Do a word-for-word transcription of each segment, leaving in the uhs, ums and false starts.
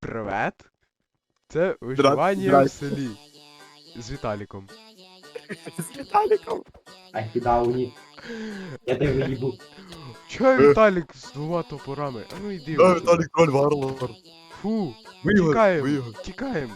Привет. Це виживання в селі. З Віталіком. З Віталіком. Ахідауні. Я тебе виїбу. Чого Віталік з двома топорами? А ну йди. Да, отсюда. Віталік троль варвар. Фу. Ви його, ви Тікаємо. його. Тікаємо.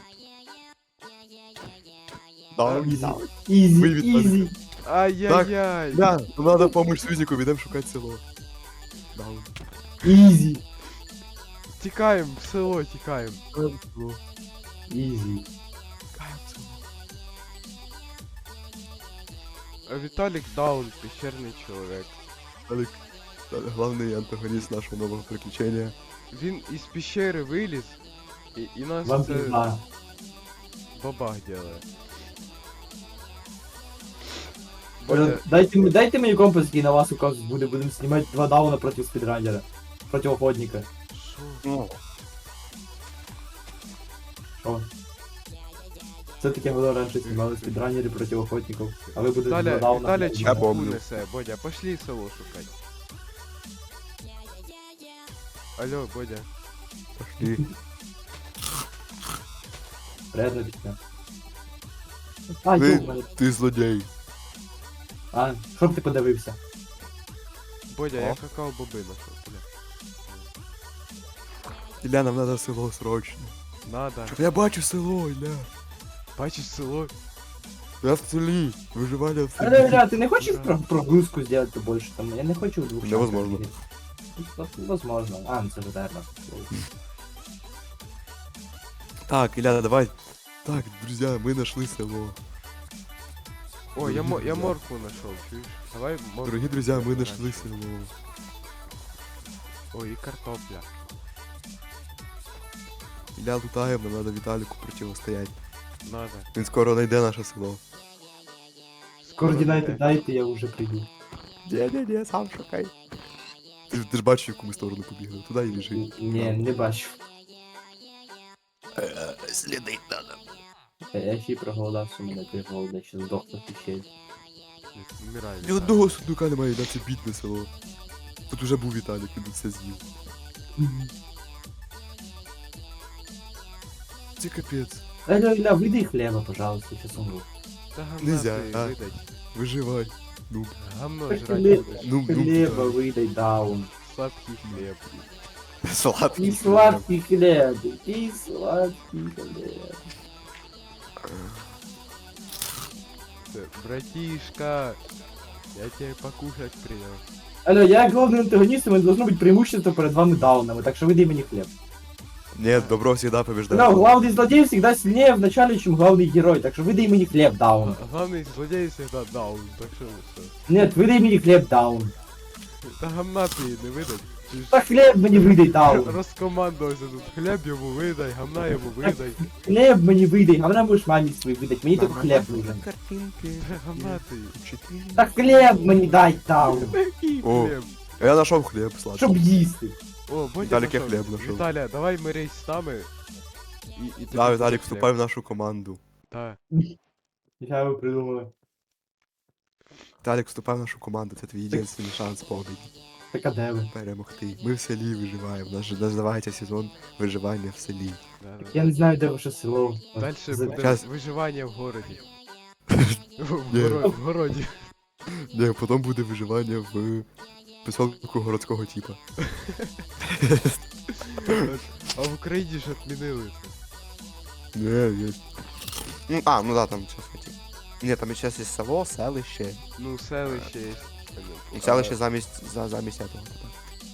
Даун, Ізі. даун. Ізі, Ви, Віталік. ізі. Ай-яй-яй. Да, нам надо помочь Сузіку, підемо шукати село. Даун. Ізі. Тікаємо, в село тікаємо. Шукаємо село. Ізі. Шукаємо село. А Віталік даун, пещерний чоловік. Віталік, Віталік, главний антагоніст нашого нового приключення. Він із пещери виліз і, і нас Вам це пізна. бабах делає. Е, Бодя, Дайте, мені- дайте мені компас, який на вас указ буде. Будемо знімати два дауна проти спідранера. Проти охотника. що? Ну, Що? Це таке було раніше знімали спідранери проти охотників. А ви будете два Віталя, дауна. Віталя проти чіпку помню. несе. Бодя, пошли село шукати. Алло, Бодя. пошли. Приятно пісня. А, Ви, йо, ти злодій. А, щоб ти подивився? Бодя, О. я какао боби нашов, бля. Ілля, нам надо село срочно. Надо. Я бачу село, Ілля. Бачиш село? Я в селі. Виживання в А, селі. да, ты не хочешь про прогрузку сделать побольше? Там, я не хочу в двух Невозможно. шансах. Ну, возможно. А, ну це ж наверное. Так, Ілля, давай. Так, друзья, мы нашли село. О, я, мо- я моркву нашов, чуєш? Давай моркву. Дорогие друзья, мы нашли. нашли село. Ой, і картопля. Ілля, лутаем, нам надо Віталіку противостоять. Надо. Він скоро знайде наше село. Координаты дайте, я уже приду. Не-не-не, сам шукай. Ти, ж- ти ж бачиш, в яку ми сторону побігли. Туди і біжи. Не, не бачу. Слідить надо. Я я ще й проголодався, мене ти голода, ще здохну ще. Не вмирай. Ні Віталій. одного сундука немає, на це бідне село. Тут уже був Віталік, він тут все з'їв. Це капець. Алло, Илья, выдай хлеба, пожалуйста, сейчас умру. Та гамна Нельзя, ти а? видать. Виживай. Ну, Гамно Так жрать хлеб- будеш. ну, ну. Хлеба выдай, даун. Сладкий хліб. Сладкий. И сладкий хлеб, и сладкий хлеб. Це, братишка, я тебе покушать принес. Алло, я главный антагонист, и у меня должно быть преимущество перед вами даунами, так что выдай мне хлеб. Нет, добро всегда Да, побеждает. главный злодей всегда сильнее в начале, чем главный герой, так что выдай мне хлеб, даун. А главный злодей всегда даун, так що що? Нет, выдай мне хлеб, даун. Та гамна ти їй не видать. Ти ж Да хлеб мне выдай, даун. розкомандувався тут. Хліб йому видай, гамна йому видай. Хлеб мне выдай, а мне можешь маме свой выдать, мне только хлеб нужен. Картинки. Та гамна ти. Да хлеб мне дай, даун. Який О. хліб? Я нашел хлеб сладкий. Чтоб їсти. О, Бодя Віталік, я нашов. хліб нашов. Віталя, давай мирись з нами. І, і тобі Да, буде Виталик, хліб. вступай в нашу команду. Та. Я его придумала. Виталик, вступай в нашу команду, це твій єдиний шанс побіді. Так а де ви? Перемогти. Ми в селі виживаємо. Наш називається сезон виживання в селі. Да, да. Я не знаю, де ваше село. Дальше За- буде Щас. виживання в городі. В, Ні. горо... в городі. Ні, потім буде виживання в поселку городського типа. А в Україні ж відмінили це. Не, є. Ну, а, ну да, там сейчас эти. Ні, там сейчас є село, селище. Ну, селище є. І селище замість, за, замість этого. типа.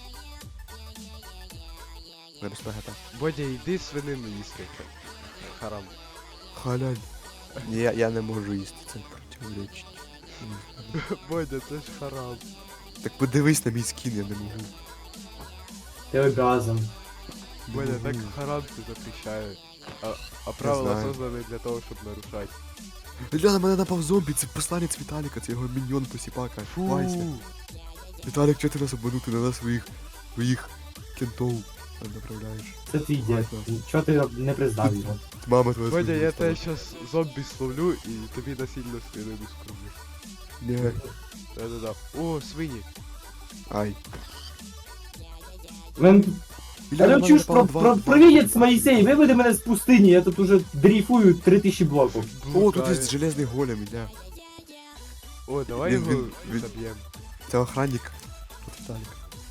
Замість ПГТ. Бодя, йди свинину їсти. Харам. Халяль. Ні, я, я не можу їсти, це противоречить. Бодя, це ж харам. Так подивись на мій скін, я не можу. Ти оргазм. Не Бодя, так можу. харам ти запрещають. А, а правила знаю. создані для того, щоб нарушати. Ля, на мене напав зомбі, це посланець Віталіка, це його міньйон посіпака. Ховайся. Віталік, чого ти нас обманути на нас своїх, своїх кентов направляєш? Це твій дід. Ладно. Чого ти не признав його? Мама твоя Бодя, свинья я стала. тебе щас зомбі словлю і тобі насильно свинину скормлю. Ні. Да-да-да. О, свині. Ай. У мене тут Ілля, на Алло, мене чуєш, напало про, два- про, два провидець зомбі. Моїсей, виведи мене з пустині, я тут уже дрейфую три тисячі блоків. О, тут є железний голем, Ілля. О, давай Він- його він- він- заб'ємо. Це охранник. От Віталік.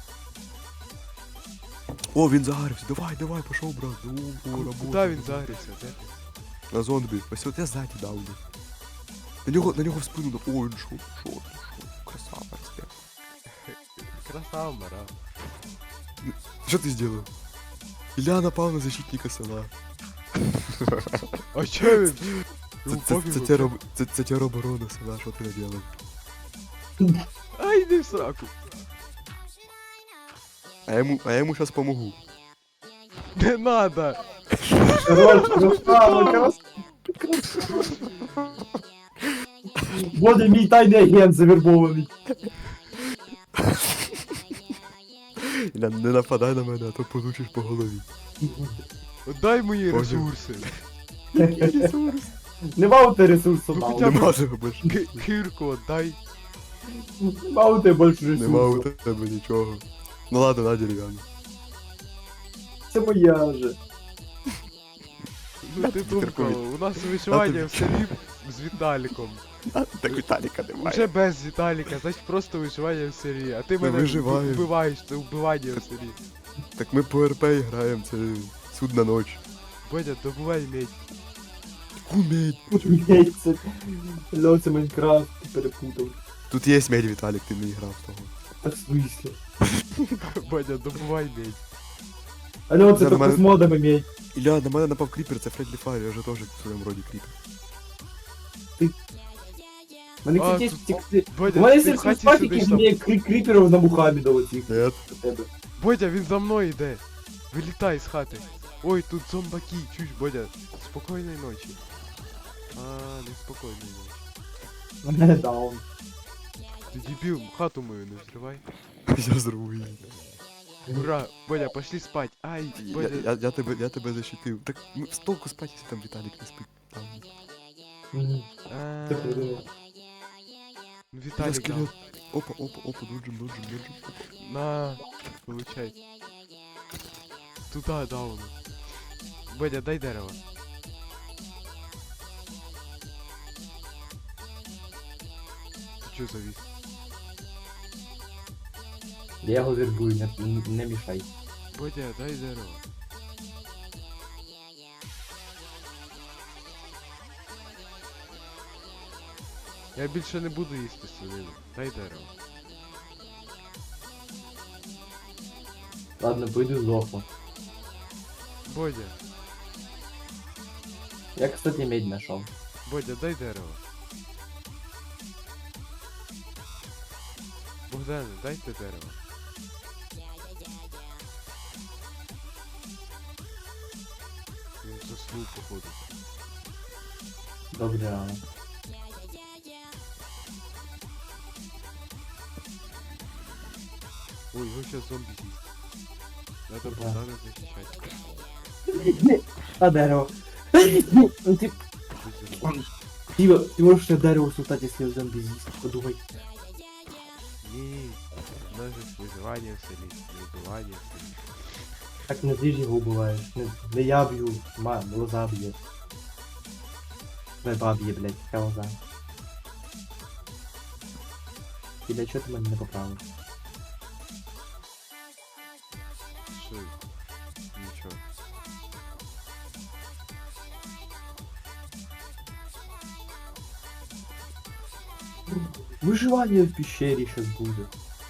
О, він загорився. Давай, давай, пішов, брат. Ну, о, Ку- робота. Куди він загрівся? Де ти? На зомбі. Ось от я ззаді дав. йому. На нього, на нього в спину. дав. О, він шо, шо, ти шо. Красава, респект. Красава, мара. Що ти зробив? Ілля напав на защитника села. А чо він? Це, Йому це, пофігу, це, це, роб- це, це тероборона села, що ти наделав? Ай, йди в сраку. А я йому, а я йому зараз помогу. Не надо. Хорош, красава, красава. Буде мій тайний агент завербований. Ілля, не нападай на мене, а то получиш по голові. Дай мої Понял. ресурси. Нема у тебе ресурсу, Ну, мало. хоча б- Нема тебе більше. Ки- Кирку отдай. Нема у тебе більше Нема у ресурсу. тебе нічого. Ну ладно, на дерев'яну. Це моя вже. Ну ти думка, у нас виживання в селі з Віталіком. Так Віталіка Вже без Віталіка, значить просто виживання в селі. А ти Ми мене виживаємо. вбиваєш, це вбивання в селі. Так ми по РП граємо, це судна ніч. Бодя, добувай медь. Кумедь. Яйця. Льо, це Майнкрафт, ти перепутав. Тут є медь, Віталік, ти не грав того. Та в смислі? Бодя, добувай медь. Алло, це Це тільки нормально. з модами мій. Ілля, на мене напав кріпер, це Фредлі Файр, я же теж в своєму роді кріпер. Мене, А, кстати, тут- ті- ті- Бодя, У мене ти в серце хаті спати, сидиш які там. мені крі- кріперів на Мухаммеда оцих. Нет. До тебе. Бодя, він за мною йде. Вилітай з хати. Ой, тут зомбаки, чусь, Бодя. Спокійної ночі. А, не спокійної ночі. У мене даун. Ти дебіл, хату мою не взривай. Я зру її. Ура, Бодя, пошли спать. Ай, Я, Бодя. я, я, тебе, я тебе защитив. Так ну, з толку спать, якщо там Віталік не спить. Там. Мгм. А, Це придумав. Ну, Я Віталік скелет. дав. Опа, опа, опа, доджим, доджим, доджим. На, получай. Туда дауну. Бодя, дай дерево. Ты чё завис? Я його вербую, не, не мішай. Бодя, дай дерево. Я більше не буду їсти свинину. Дай дерево. Ладно, пойду здохну. Бодя, Я, кстати, медь нашел. Бодя, дай дерево. Богдане, дайте дерево. Він заснув, походу. Добре рано. Ой, его сейчас зомби з'їсть. Надо Да. Богдана защищать. А дерево. Ну ти, Будь ти, ти можеш ще дерево сутати, якщо зомбі з'їсть. Подумай. Ні, у нас же ж виживання в селі, не вбивання в селі. Так не ти ж його вбиваєш. Не, не я б'ю, ма, лоза б'є. Не баб'є, блядь, яка лоза. І для чого ти мене не поправив? Що? Нічого. Виживання в пещері щас буде.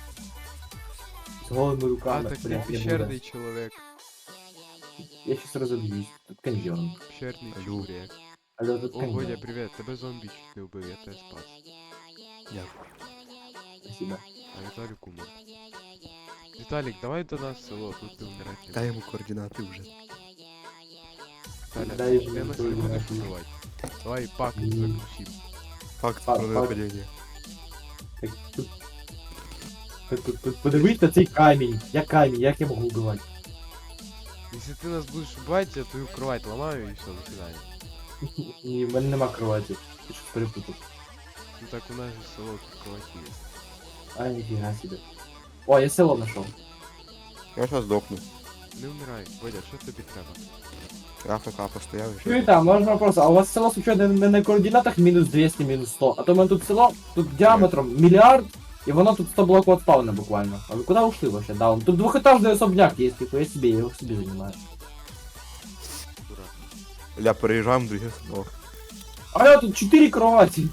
З голими А, руками, так ти блядь, не пещерний буде. чоловік. Я щас розоб'юсь. Тут каньйон. Пещерний Алло. чоловік. Але тут О, Бодя, каньйон. привіт, тебе зомбі чуть не вбив, я тебе спас. Дякую. Спасибо. А Віталік умер. Віталік, давай до нас в село, тут ти вмирати не Дай йому координати вже. Віталя, Дай ти йому нас не будеш координати. вбивати. Давай пакт Ні. заключим. Факт А, про факт. нападіння. Так, тут... Тут- тут- тут Подивись на цей камінь. Я камінь, як я можу вбивати? Если ты нас будешь убивать, я твою кровать ломаю и все, до свидания. Ні, в мене нема кроваті. Ти щось перепутав. Ну так у нас же село тут кровати есть. А, ніфіга себе. О, я село знайшов. Я зараз здохну. не вмирай. Бодя, що тобі треба? Я АФК постояв і ще. Чуєте, а можна вопрос, а у вас село случайно не на координатах мінус двісті, мінус сто? А то в мене тут село, тут діаметром мільярд, і воно тут сто блоків от спавна буквально. А ви куди ушли вообще? Даун? Тут двухэтажный особняк есть, типа я себе, я его себе занимаю. Дура. Ля, переїжджаємо в друге село. А я тут четыре кровати.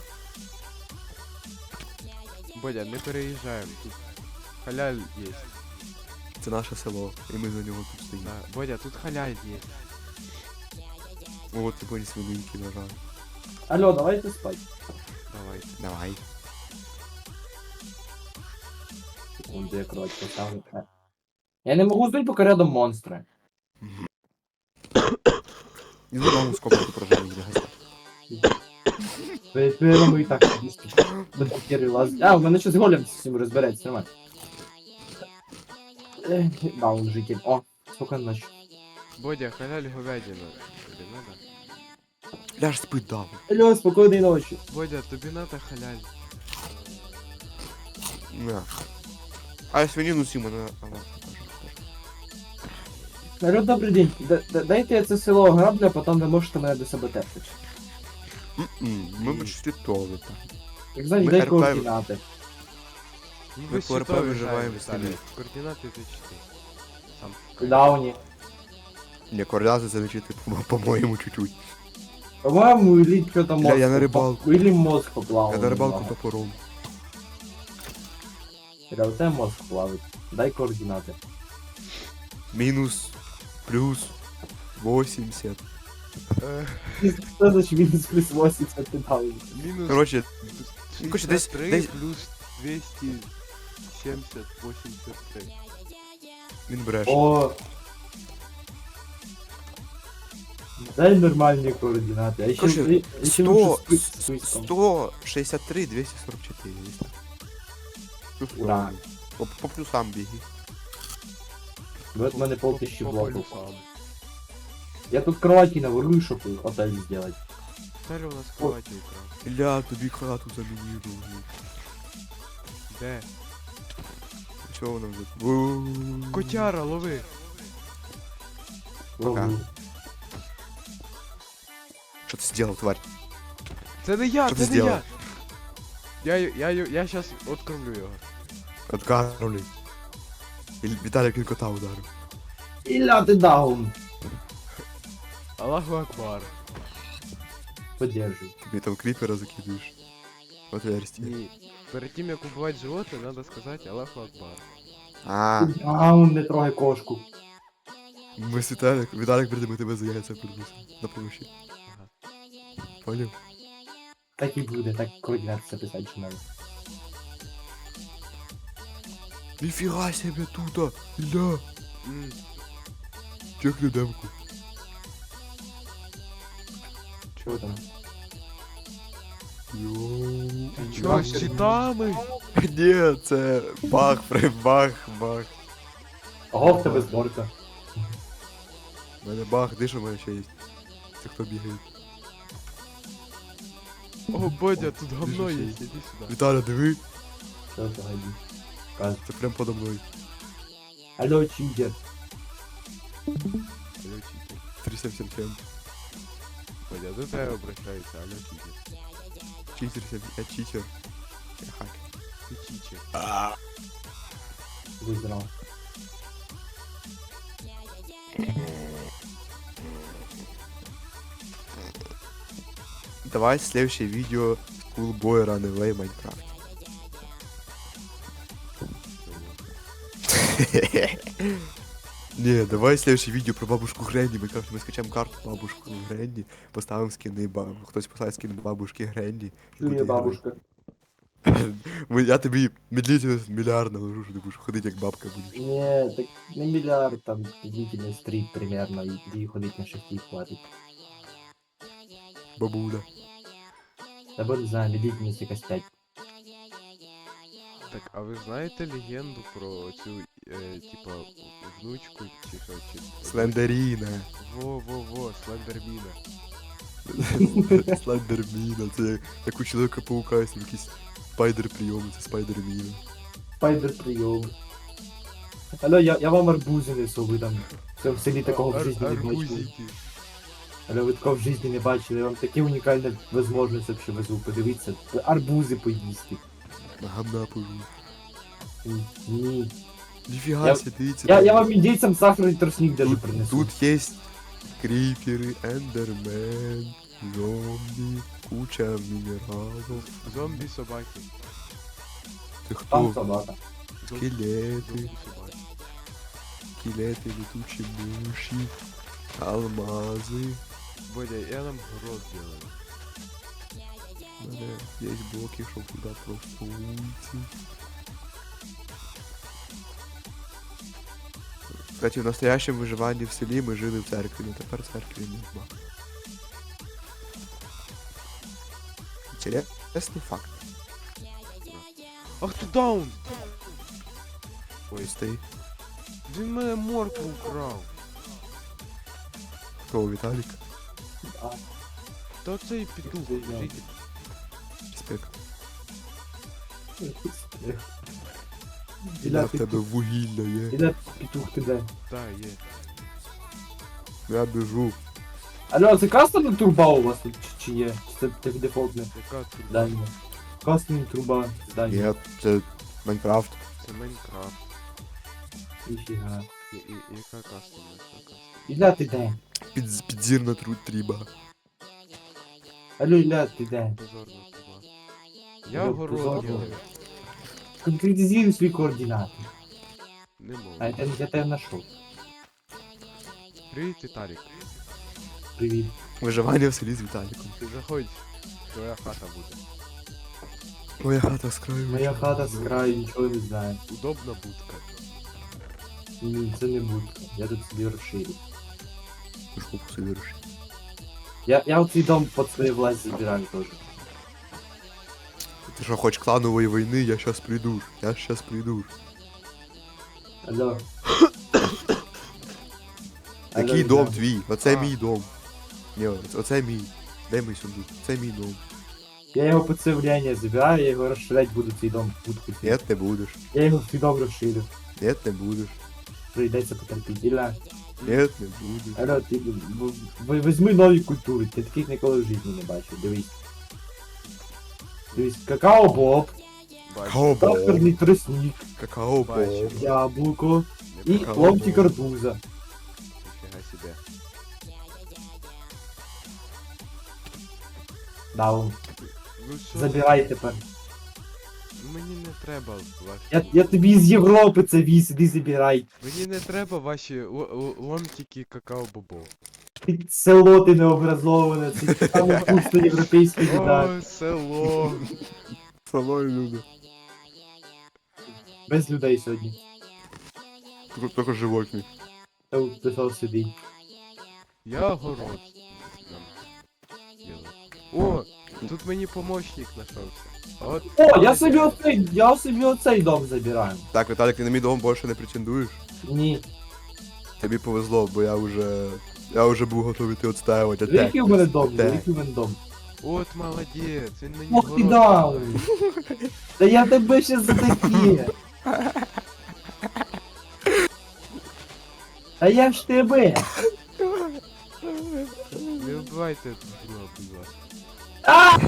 Бодя, не переїжджаємо, тут халяль є. Це наше село, і ми за нього тут стоїмо. Да. Бодя, тут халяль є. О, ти поні свининки нажав. Алло, давайте спать. Давай. Давай. Секунду, я кровать поставлю. А. Я не могу уснуть, пока рядом монстры. І знову сколько ти прожив їх гостя. Первому и так до первый лаз. А, у мене щось голем з цим розбереться, нормально. Ех, Даун житель. О, спокійно ночі. Бодя, халяль говядина. Тобі надо? Ляж спить дав. Алло, спокійної ночі. Бодя, тобі надо халяль. На. А я свинину сім мене. Ага. Алло, добрий день. Д- д- Дайте я це село ограблю, а потім ви можете мене до себе терпити. М-м, Ми б світові там. Як знаєш, Ми дай РП координати. Ну, Ми ви по РП світові виживаємо граємо, в селі. Віталій. Координати ти чти. Сам. В Дауні. Не, координати це лечити, по- по-моєму, чуть-чуть. По-моєму, или что-то Бля, мозг. я на поп- рибалку. Или мозг поплавал. Я на рибалку топором. Бля, у тебе мозг плавить. Дай координати. Мінус, плюс, вісімдесят. Е, Що значить мінус плюс вісімдесят ти дав? Мінус Короче, ну, короче, десь- шістдесят три десь- плюс двісті сімдесят вісімдесят три. він бреше. О. Дай нормальні координати. А ще, Короче, а ще сто, лучше спи- списком. сто шістдесят три, двісті сорок чотири. десь так. Плюс Ура. сорок. По, по плюсам біги. Вот в мене полтисячі По блоків. полюсам. Я тут кровати наворую, щоб отель сделать. Віталій у нас кроваті украв. Ля, тобі хату замінірую. Де? Чого воно вже? Котяра, лови. Ловлю. Що ти зробив, тварь? Це не я, Що ти це не я. зробив? Я, я, я, я щас откормлю його. Откарнули. Віталік він кота ударив. Ілля ти даун. Аллаху Акбар. Подержи. Тобі там кріпера закидуєш. Отверстие. Ні. Перед тим як убивати животне, надо сказати Аллаху Акбар. А, Даун, не трогай кошку. ми з Віталік, Віталік прийде, ми тебе за яйця придусимо. На помощі. Ага. Поняв? Так і буде, так координати записати що надо. Ніфіга себе тута! Ля! М, Чекни демку. Чого там? Йоу. Чо, з читами? Ні, це бах, при бах, бах. Ого, в тебе зборка. У мене бах, де що в мене ще є? Це хто бігає? О, Бодя, тут говно Біжи є, ще й. іди сюди. Віталя, диви, Що погоди. Каз. це прям подо мною. Алло, читер. Алло, читер. три сім сім сім. Бодя, до тебе обращаються, алло, читер. Читер, сім- я читер. Я хакер. Ти читер. Будь здоров. Давай следующее видео Schoolboy Runaway Minecraft. Не, давай следующее видео про бабушку Гренни. Мы как-то мы скачаем карту бабушку Гренни, поставим скины баб... Хтось поставить скин бабушки Гренни. і буде Чує грати. бабушка. Ми- Я тобі медлительність мільярд наложу, що ти будеш ходити як бабка будеш. Не, так не миллиард, там длительность три примерно, и и ходить на шахте хватит. Бабуля. Да не знаю, длительность якась пять. Так, а ви знаєте легенду про цю, е, типа, внучку чи що, чи... Слендеріна. Во-во-во, Слендерміна. Слендерміна. Це як, як у Чоловіка-паука, якісь спайдер прийоми, це спайдерміна. Спайдер прием. Алло, я, я вам арбузи несу, ви там в цьому селі такого в Ар- житті не бачили. арбузики. Алло, ви такого в житті не бачили, я вам такі унікальні можливості вообще везу, подивіться. Арбузи поїсти. На гамна пожу. Ні. Ніфіга Я- себе, дивіться. Я, там. я вам індійцям сахарний тростник даже Тут, принесу. тут есть крипери, эндермен, зомби, куча минералов. Зомбі собаки. Ты Там кто? собака. Зомбі Скелеты, собаки. скелеты, летучие мыши, алмазы. Бодя, я нам город делаю. У мене есть блоки, чтобы туда просто уйти. Кстати, в настоящем выживании в селе мы жили в церкви, но теперь церкви нема. Интересный факт. Ах ти даун! Ой, стоит. Він мене моркву украв. Кто, Виталик? А, Та цей петух, Звільняв. житель. Респект. Я Іля, в тебе петух, вугілля є. Іля, петух, ти де? Та, є. Я біжу. Алло, це кастомна труба у вас тут чи, чи є? Чи це так дефолтне Яка тут? здання? Кастомна труба здання. Ні, це Майнкрафт. Це Майнкрафт. Ніфіга. І, і, яка кастомна, яка кастомна? Ілля, ти де? Під, підзірна тру тріба. Алло, Ілля, ти де? Позорна труба. Я Ну, город позорно. делаю. Конкретизуй свої координати. Не можу. А я, тебе- я тебе знайшов. Привіт, Віталік. Привіт. Виживання в селі з Віталіком. Ти заходь, твоя хата буде. Моя хата з краю. Моя хата з краю, нічого не знаю. Удобна будка. Ні, це не будка. Я тут собі розширю. Жопу собі руши. Я, я оцей дом під свою власть забираю теж. Ти що, хоч кланової війни, я щас прийду. Я щас прийду. Алло. Який Алло, дом Ілля. твій? Оце А. мій дом. Ні, оце- оце мій. Де мій сундук? Це мій дом. Я його під це влияння забираю, я його розширяти буду цей дом будку. Ні, не будеш. Я його в цей дом розширю. Ні, не будеш. Прийдеться потерпіти. Ілля. Ні, не будеш. Алло, ти в- в- візьми нові культури, ти таких ніколи в житті не бачив, дивись. Дивись, какао боб, Бачу. Какао-боб. сахарний тростник, Какао-боб. Бачу. яблуко і Не какао ломтик боб. арбуза. Ніфіга себе. Даун. Ну що? Забирай тепер. Ну, мені не треба ваші... Я, я тобі з Європи це віз, іди забирай. Мені не треба ваші л- л- ломтики какао-бобо. Ти село ти необразоване, це саме вкусна європейська їда. О, село. Село і люди. Без людей сьогодні. Тільки- Тільки животні. Та от пішов сюди. Я город нам делаю. О, тут мені помощник знайшовся. От. О, я собі оцей, я собі оцей дом забираю. Так, Віталік, ти на мій дом більше не претендуєш? Ні. Тобі повезло, бо я вже... Я вже був готовий ти відстаювати. Диви, який у мене дом, диви, Так. який у мене дом. От молодець, він мені Ох ти город даун. поставив. Та я тебе ще за таке. Та я ж тебе. Не вбивайте друга, будь ласка. А!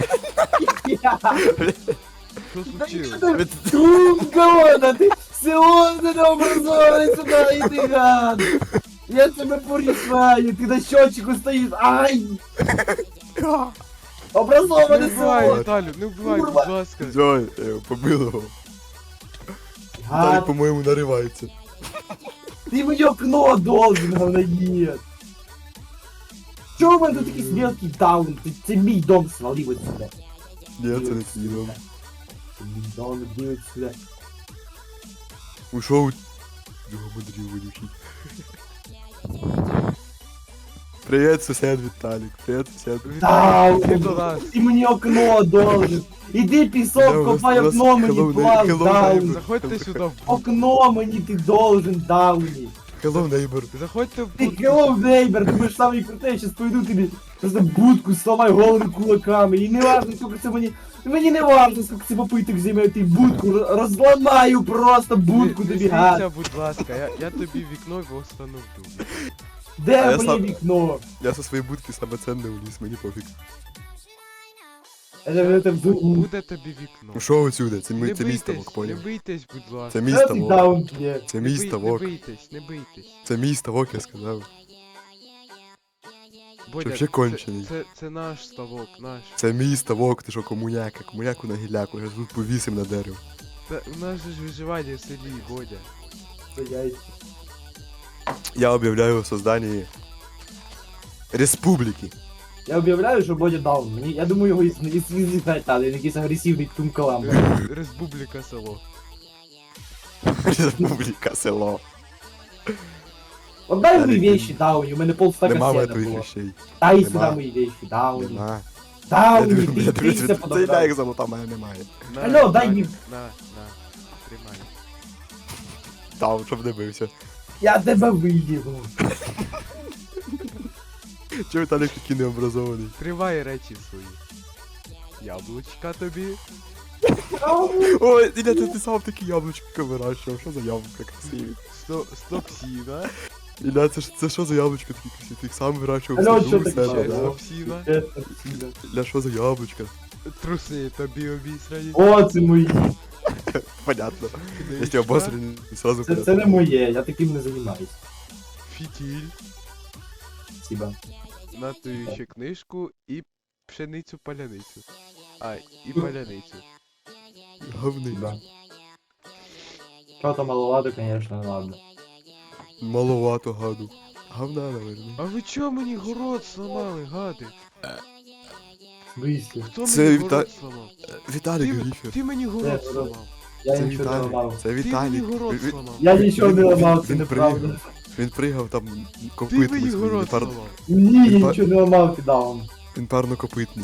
Що случилось? Тумгона, ти село не образований сюди, іди гад. Я тебе порішаю, ти на щочику стоїш, ай! Не Образоване вбивай, село! Віталю, не вбивай, Курва. будь ласка. Все, я його помилував. Віталік, Гад, по-моєму, наривається. ти мені окно должен, говноед. Чого в мене тут такий мелкий даун? Ти- Це мій дом свалив отсюда. Ні, це не твій дом. Це мій дом, іди отсюда. Ушов. Його мудрів вилючить. Привіт, сусід Віталік. Привіт, сусід. Даун, Ти до нас. ти мені окно должен. Іди Да, пісок, у вас- копай у вас окно мені, hello, плав, hello, даун. neighbor. Заходьте сюди в будку. Окно мені ти должен, дауні. Hello, neighbor. Заходьте в Ты будку. hello, neighbor, ты будешь самый крутой, я сейчас пойду тобі просто будку сломаю голову кулаками. І не важно, сколько це мені... Мені не важно, сколько це попиток займе, ти будку ро- розламаю просто будку Не- не тобі, гад. смійся, будь ласка, я, я тобі вікно встановлю. А Де я моє сам- вікно? Я со своєї будки саме ценне уліз, мені пофіг. Я вже це Бу- в... Буде тобі вікно. Ну що отсюди? Це, Не мій, це мій бийтесь, ставок, не поняв? бийтесь, будь ласка. Це мій Це ти ставок. даун є. Це Не мій бий- ставок. Не бийтесь, не бийтесь. Це мій ставок, я сказав. Бодя, вообще кончений? Це, це, це наш ставок, наш. Це мій ставок, ти що комуняка, комуняку на гіляку, я тут повісим на дерево. Та у нас же ж виживання в селі, Бодя. Це яйця. Я об'являю о созданні республіки. Я об'являю, що Бодя даун. Мені, я думаю, його із- із- із- та, він якийсь агресивний тумкалам. Ре- Республіка село. Республіка, село. Отдай мої Далі, вещи, Дауні, у мене полстака Нема мене сена твоїх було. речей. Дай Нема. сюди мої вещи, Дауні. Нема. Я Дауні, дивлюсь, ти я дивлюсь, дивися це я подобрав. як золота, мене немає. На, Алло, дай на, мені- На, на, тримай. Там, щоб не бився. Я тебе виїду. Чого Віталік такий необразований? Тривай речі свої. Яблучка тобі. Ой, Іля, ти, ти сам такі яблучка вирощував, що за яблука красиві? Сто, стопсіна. Іля, це, ж- це що за яблучка такі красиві? Ти їх сам вирощував Алло, в що саду у таке? себе, Ще да? стопсіна. Іля, що за яблучка? Труси тобі обісрані. О, це мої. Понятно. Книжка, Якщо обосрані, сразу Це, це не моє, я таким не займаюсь. Фітіль. Спасибо. На ту ще книжку і пшеницю паляницю. А, і паляницю. Говни. Спасибо. Що-то маловато, конечно, ладно. Маловато гаду. Говна, наверное. А ви чого мені город сломали, гади? Вийшли. Хто Це мені Віта- город сломав? Віталік Ти, Гріфер. ти мені город Де, сломав. Я Це нічого не Віталік. ламав. Це Ти мені Віталік. город Він- сломав. Я нічого не Він- ламав, це він неправда. пригав. Він пригав там Ти копитний. мені свій, город він пар- сломав. Ні, я Він па- нічого не ламав, ти даун. Він парнокопитний.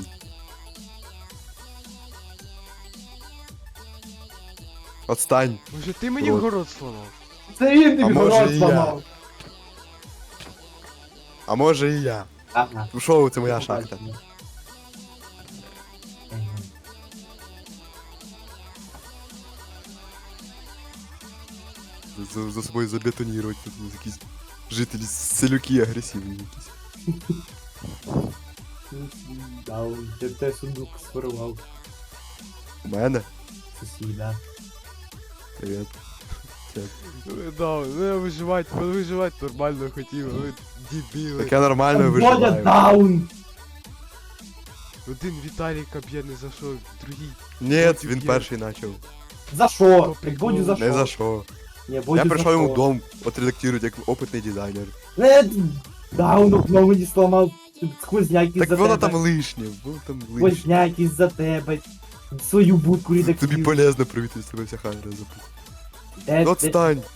Отстань. Може ти мені Рот. город сломав? Це він А тобі може город і я. зламав. А може і я. Ага. Ну що, це моя шахта. Мгм. За, за собою забетонірувати тут ну, якісь жителі селюки агресивні якісь. Даун, я те сундук сформував. У мене? Сусіда. Привіт. Ну, да, ну я виживати, ну, виживати нормально хотів, ви дебіли. Так я нормально Бодя виживаю. даун! Один Віталіка б'є не за що, другий. Ні, Бодю він б'є. перший почав. За що? По Так приколу. Бодю за Не за що? що. Ні, Бодю Я за прийшов йому що? в дом, отредактирують як опитний дизайнер. Не, даун окно мені сломав. Сквозняк Так із-за воно тебе. там лишнє, воно там лишнє. Сквозняк із-за тебе. Свою будку Тобі редактив. полезно провітрити себе вся хайра запу. Де- Ну де- отстань.